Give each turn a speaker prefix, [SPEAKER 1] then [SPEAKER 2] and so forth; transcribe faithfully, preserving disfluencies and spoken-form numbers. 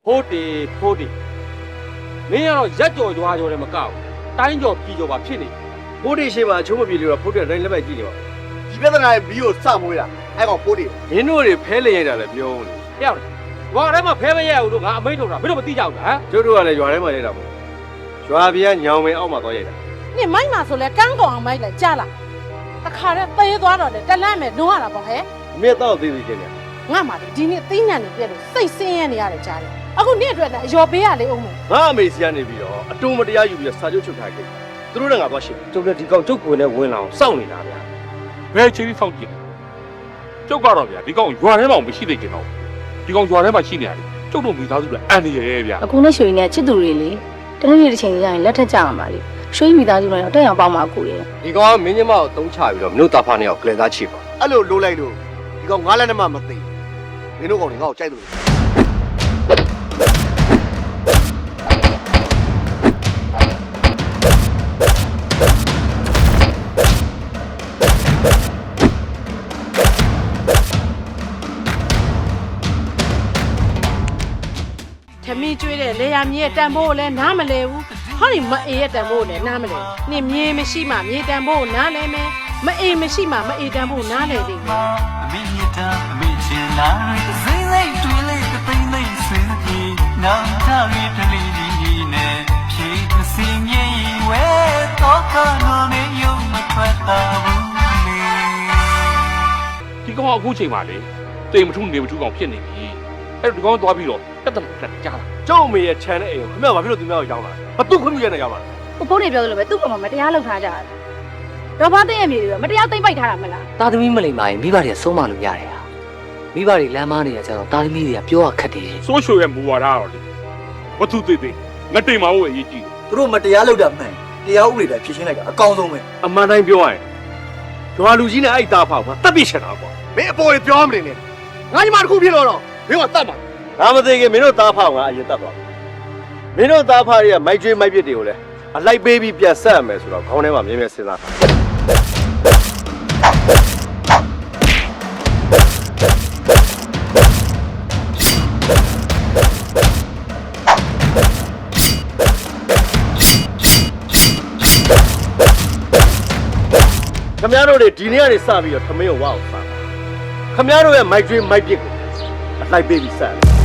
[SPEAKER 1] ဖိုးတီဖိုးတီမင်းကတော့ရက်ကြော်ကြွားကြော်တယ်မကောက်တိုင်းကြော်ပြည်ကြော်ပါဖြစ်နေဖိုးတီရှိမှအချိုးမပြေလို့တော့ဖိုးတီတိုင်းလက်ပဲကြည့်နေပါဒီပြဿနာရဲ့ဘီကိုစမွေးတာအဲ့ကောင်ဖိုးတီမင်းတို့တွေဖဲလေရိုက်တာလည်းပြောနေပြောက်တယ်ရွာထဲမှာဖဲမရဘူးလို့ငါအမိန့်ထုတ်တာမင်းတို့မသိကြဘူးလားကျုပ်တို့ကလည်းရွာထဲမှာရိုက်တာမဟုတ်ရွာပြားညောင်မင်းအောက်မှာသွားရိုက်တာ
[SPEAKER 2] 你买嘛说来刚刚买来家了，他看着背多少的，这烂没弄完了不还？
[SPEAKER 1] မင်းတော့သိသိချင်းနေ
[SPEAKER 2] 我嘛的今年第年的别了，谁生眼的呀来家里？啊，我年转的要不要来欧盟？
[SPEAKER 1] ငါအမေစီကနေပြီးတော့အတုံးမတရားယူပြီးစာချုပ်ချုပ်ထားခဲ့သူတို့လည်းငါသွားရှင်းကျုပ်လည်းဒီကောင်ကျုပ်ကိုယ်နဲ့ဝင်လာအောင်စောင့်နေတာဗျာ
[SPEAKER 3] ဘယ်ချိန်စောင့်ကြည့်ကျုပ်ကတော့ဗျာဒီကောင်ရွာထဲမှာမရှိသေးကြတော့ဒီကောင်ရွာထဲမှာရှိနေရတယ်ကျုပ်တို့မိသားစုလည်းအန်နေရဲဗျာ
[SPEAKER 4] အခုနဲ့ရွှေနဲ့ချစ်သူတွေလေတနေ့နေ့တစ်ချိန်ကြာရင်လက်ထက်ကြအောင်ပါလေရွှေမိသားစုလည်းတက်အောင်ပေါင်းပါကိုရဲ့
[SPEAKER 1] ဒီကောင်ကမင်းညမကိုတုံးချပြီးတော့မင်းတို့တာဖာနေအောင်ကလဲသားချစ်ပါအဲ့လိုလိုလိုက်လို့ဒီကောင်ငါးလက်နဲ့မှမသိမင်းတို့ကောင်တွေငါ့ကိုကြိုက်လို့
[SPEAKER 2] ထမင်းကျွေးတဲ့လေယာမြေတန်ဖိုးလည်းနားမလဲဘူးဟောဒီမအေးရဲ့တန်ဖိုးလည်းနားမလဲနေမြေမရှိမှမြေတန်ဖိုးနားလဲမယ်မအေးမရှိမှမအေးတန်ဖိုးနားလဲသေးတယ်
[SPEAKER 5] အမေမြတ်တာအမေချင်လာစိမ့်လိုက်တွေးလိုက်တသိမ့်လိုက်စင်ကြီးနောင်ထရီတလီကြီးနဲ့ဖြေသစင်ကြီးဝဲတော့ကနိုနေယုံမထွက်တာဘူးလေ
[SPEAKER 3] ဒီကောင်အခုချိန်မှာလေတိမ်မထုနေမထုကောင်ဖြစ်နေပြီအဲ့ဒီကောင်သွားပြီးတော့တက်တက်တက်ကြားလာ
[SPEAKER 1] ကျုပ်အမေရဲ့ခြံတဲ့အိမ်ကိုခင်ဗျာဘာဖြစ်လို့သူများကိုရောင်းလာလဲဘာသူ့ခွင့်ပြုရနေရောင်းလာလဲ
[SPEAKER 4] ကိုဖိုးတွေပြောသလိုပဲသူ့ကောင်မတရားလုပ်ထားကြတယ်တော့ဘာသိရမြေတွေမတရားသိမ့်ပိုက်ထားတာမလား
[SPEAKER 6] တာသမီမလိမ္မာရင်မိဘတွေကဆုံးမလို့ရတယ်ဟာမိဘတွေလမ်းမနေရကြတော့တာသမီတွေကပြောရခက်တယ်
[SPEAKER 3] ဆိုးရွှေရဲ့မူဝါဒကတော့လေဝတ္ထုသေးသေးငါတိမ်မဟုတ်အရေးကြီးတယ်
[SPEAKER 7] သူတို့မတရားလုပ်တာမှန်တရားဥပဒေတိုင်းဖြည့်ရှင်းလိုက်တာအကောင်းဆုံးပဲ
[SPEAKER 1] အမှန်တိုင်းပြောရရင်ရွာလူကြီးနဲ့အဲ့တာဖောက်မှာတပ်ပြစ်ချင်တာကွာမင်းအပေါ်ကြီးပြောမနေနဲ့ငါညီမတစ်ခုဖြစ်လို့တော့မင်းကတတ်မှာငါမသိခင်မင်းတို့တာဖောက်ငါအရင်တတ်သွားမင်းတို့တာဖောက်တွေကမိုက်ကျွေးမိုက်ပြစ်တွေကိုလည်းအလိုက်ပေးပြီးပြန်ဆက်ရမယ်ဆိုတော့ခေါင်းထဲမှာမြဲမြဲစဉ်းစားတာခမရတို့တွေဒီနေ့ကနေစပြီးတော့ထမင်းကိုဝအောင်စားခမရတို့ရဲ့မိုက်ကျွေးမိုက်ပြစ်ကိုအလိုက်ပေးပြီးဆက်